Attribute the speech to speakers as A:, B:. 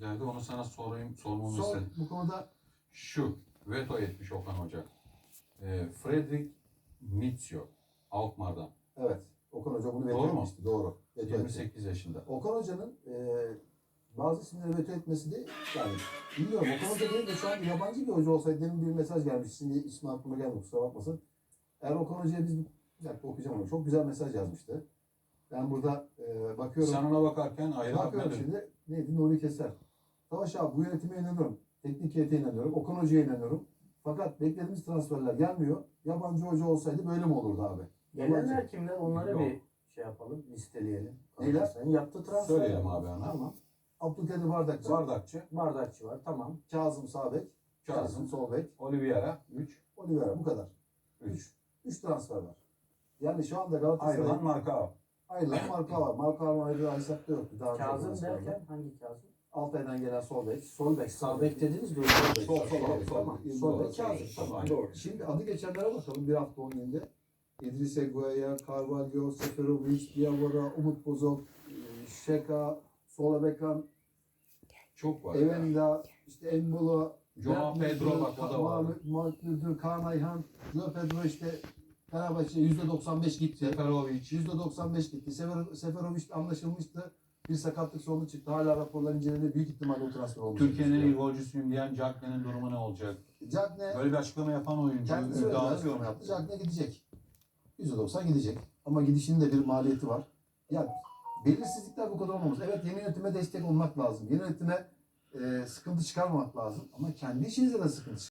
A: geldi. Onu sana sormamı
B: Sor
A: istedim.
B: bu konuda.
A: Şu veto etmiş Okan Hoca. Fredrik Mitsio Alkmaar'dan.
B: Evet. Okan Hoca bunu veto
A: Doğru mu?
B: etmişti. Doğru. Veto etti.
A: 28 yaşında.
B: Okan Hoca'nın bazı isimleri veto etmesi de yani bilmiyorum. Okan Hoca değil de şu an yabancı bir hoca olsaydı demin bir mesaj gelmiş. Şimdi ismi aklıma gelmedi, kusura bakmasın. Eğer Okan Hoca'ya biz bir dakika okuyacağım onu. Çok güzel mesaj yazmıştı. Ben burada bakıyorum.
A: Sen ona bakarken ayrı
B: Bakıyorum
A: bakmadın.
B: şimdi. Neydi? Nuri Keser. Savaş abi bu yönetime inanıyorum. Teknik heyete inanıyorum. Okan Hoca'ya inanıyorum. Fakat beklediğimiz transferler gelmiyor. Yabancı hoca olsaydı böyle mi olurdu abi?
C: Gelenler kimler? Onları
A: Yok.
C: bir şey yapalım, listeleyelim.
B: Neyler?
C: Sen yaptığı transfer.
A: Söyleyelim abi hemen.
B: Tamam. Abdülkadir Bardakçı.
A: Bardakçı,
C: Bardakçı var, tamam.
B: Kazım Sağbek. Kazım sol bek.
A: Oliveira 3.
B: Oliveira bu kadar.
A: 3.
B: 3 transfer var. Yani şu anda Galatasaray'ın
A: Ayrılan Marka.
B: ayrılan Marka var. Marka'nın ayrılan hesapta yoktu. Daha önce
C: Kazım
B: transfer var.
C: derken hangi Kazım?
B: Altay'dan gelen sol bek.
C: Sol bek, sağ bek dediniz mi? Sol bek.
A: Sol, sol,
C: Evet,
A: sol.
C: tamam.
B: Sol
C: Sol
B: bek
C: bek
B: Kazım.
C: Kazım.
B: Tamam.
C: Doğru.
B: Şimdi adı geçenlere bakalım bir hafta 10 günde. İdris Eguaya, Carvalho, Seferovic, Diawara, Umut Bozok, Şeka, Sola Bekan,
A: Çok var.
B: Evenda, işte Embolo,
A: Joao Pedro bak o da var.
B: Mahmut Müdür, Kaan Ayhan, Joao Pedro işte Fenerbahçe %95 gitti.
A: Seferovic.
B: %95 gitti. Seferovic anlaşılmıştı. Bir sakatlık sorunu çıktı. Hala raporlar inceleniyor. Büyük ihtimalle o transfer olacak.
A: Türkiye'nin en iyi golcüsüyüm diyen Cagney'in durumu ne olacak?
B: Cagne
A: Böyle bir açıklama yapan oyuncu
B: kendisi öyle bir
A: iddialı
B: açıklama
A: diyor.
B: yaptı. Cagne gidecek. %90 gidecek. Ama gidişinin de bir maliyeti var. Ya belirsizlikler bu kadar olmamız. Evet yeni yönetime destek olmak lazım. Yeni yönetime sıkıntı çıkarmamak lazım. Ama kendi işinizde de sıkıntı